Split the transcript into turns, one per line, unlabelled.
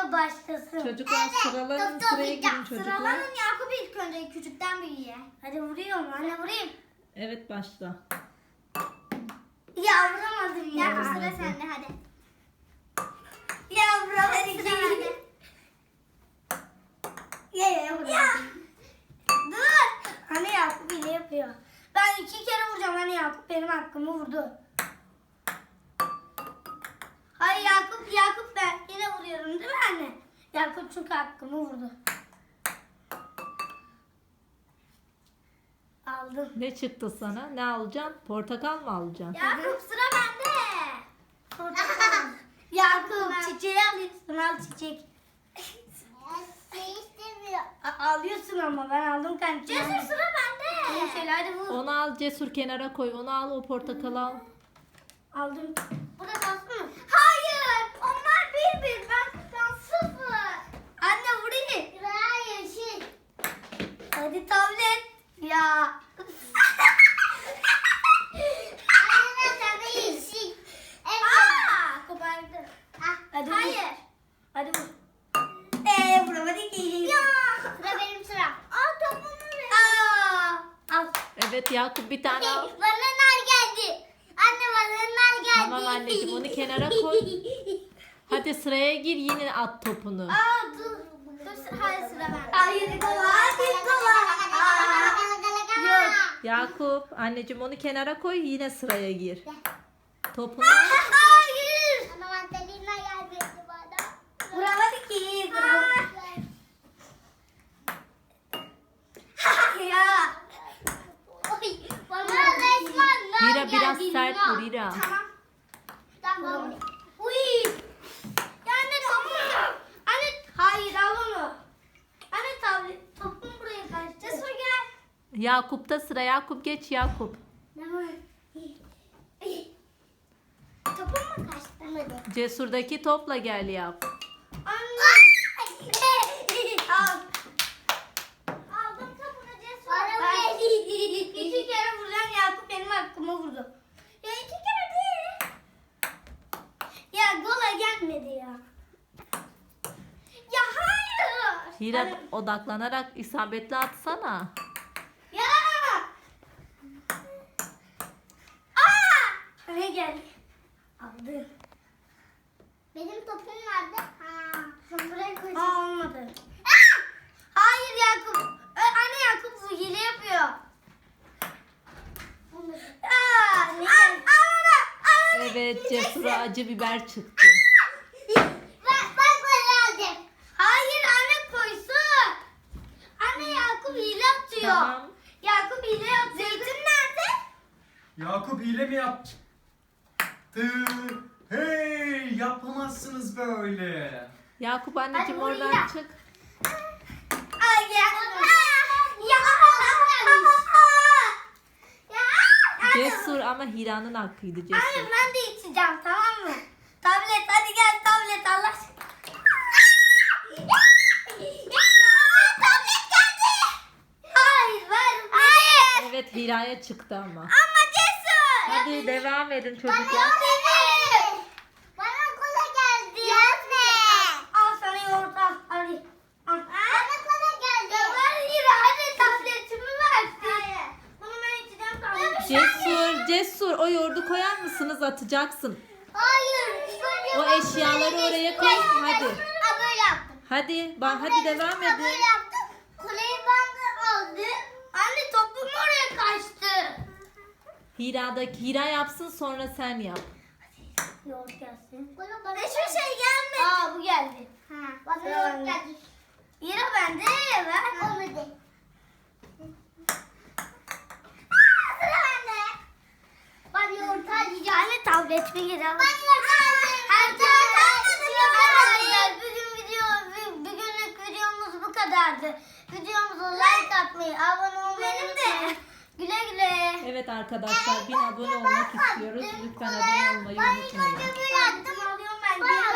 video başlasın.
Çocuklar sıralanın, sıraya girin çocuklar.
Sıralanın, Yakup ilk önce küçükten büyüğe. Hadi vuruyorum anne, vurayım.
Evet, başla.
Ya vuramadım ya. Yakup sıra sende hadi. Ya vuramadım. Sıra bende. Ya vuramadım. Dur. Hani Yakup hile yapıyor. Ben 2 kere vuracağım. Hani Yakup benim hakkımı vurdu. Hayır Yakup ben yine vuruyorum değil mi anne? Yakup çünkü hakkımı vurdu. Aldım.
Ne çıktı sana? Ne alacaksın? Portakal mı alacaksın?
Yakup sıra bende. Portakal. Yakup çiçeği alıyorsun, al çiçek. Alıyorsun ama ben aldım kanka. Cesur sıra bende. Şöyle hadi vur.
Onu al, Cesur kenara koy. Onu al, o portakalı al.
Aldım. Bu da kalsın mı? Hayır. Onlar 1-1. Ben 0. Anne vurayım. Hayır şey. Hadi tablet. Ya. Anne tabii yeşil. Evet. Kopardı. Hadi hayır. Vur. Hadi vur. Vuramadı ki. Ya. Sıra benim sıram. Al topumu ver. Al.
Evet Yakup, bir tane al.
Bana nar geldi. Anne bana nar geldi.
Tamam anneciğim, onu kenara koy. Hadi sıraya gir, yine at topunu.
Dur. Hayır sıra ben. Hayır kola. Hayır kola. Yok.
Yakup, anneciğim onu kenara koy, yine sıraya gir. Topunu al.
Hayır. Ana mandalina geldi bana. Vuramadı ki. Ya. Oy. Bana resmen nar
Hira
geldi.
biraz sert vur Hira.
Tamam. Tamam. Uy. Ya anne tamam. Anne hayır al onu. Anne tablet topum buraya kaçtı. Cesur gel.
Yakup'ta sıra. Yakup geç Yakup.
Ne var? Topum mu kaçtı?
Cesur'daki topla gel yap.
Anne. Al. Aldım topunu Cesur. Ben 2 kere vuracağım, Yakup benim hakkımı vurdu. Ya 2 kere değil. Ya gola gelmedi ya. Ya hayır.
Hira
Anne.
odaklanarak isabetli atsana.
Ya. Aa! Ne geldi? Aldı. Benim topum nerede? Ha. Sen buraya koy. Aa olmadı. Aa! Hayır Yakup. Anne Yakup bu hile yapıyor. Aa, ne? Al.
Evet, Cesur'a acı biber çıktı.
Bak aldım. Hayır anne koysun. Anne Yakup hile atıyor.
Tamam.
Yakup hile atıyor. Zeytin nerede?
Yakup hile mi yaptı? Hey, yapamazsınız böyle.
Yakup anneciğim
Hadi
oradan
Hira.
çık.
Ay ya.
Cesur ama Hira'nın hakkıydı Cesur.
Hayır ben de içeceğim tamam mı? Tablet hadi gel tablet Allah aşkına. Tablet geldi. Hayır ver. Hayır.
Evet, Hira'ya çıktı ama.
Ama Cesur.
Hadi devam edin çocuklar.
benim. Bana kola geldi. Gelme. Al sana yoğurt al. Hadi. Al. Bana kola geldi. Ya ver Hira hadi tabletimi versin. Hayır. Bunu ben içeceğim tablet.
Cesur o yoğurdu koyar mısınız, atacaksın.
Hayır.
O eşyaları oraya koy, hadi.
Böyle yaptım.
Hadi devam
Böyle
edin.
yaptım. Kuleyi bandı aldı. Anne topum oraya kaçtı.
Hira yapsın, sonra sen yap.
Yoğurt gelsin. Hiçbir şey gelmedi. Aa bu geldi. Bana yoğurt geldi. Yine bende ver. Olmadı. Sıra bende. Ben yoğurt alacağım. Anne tabletimi geri al. Ben yoğurt aldım. Her yoğurt almadım. Arkadaşlar bugünlük videomuz bu kadardı. Videomuza like atmayı, abone olmayı unutmayın. Güle güle.
Evet arkadaşlar, 1000 abone olmak istiyoruz. Lütfen abone olmayı unutmayın.
Böyle attım alıyorum ben.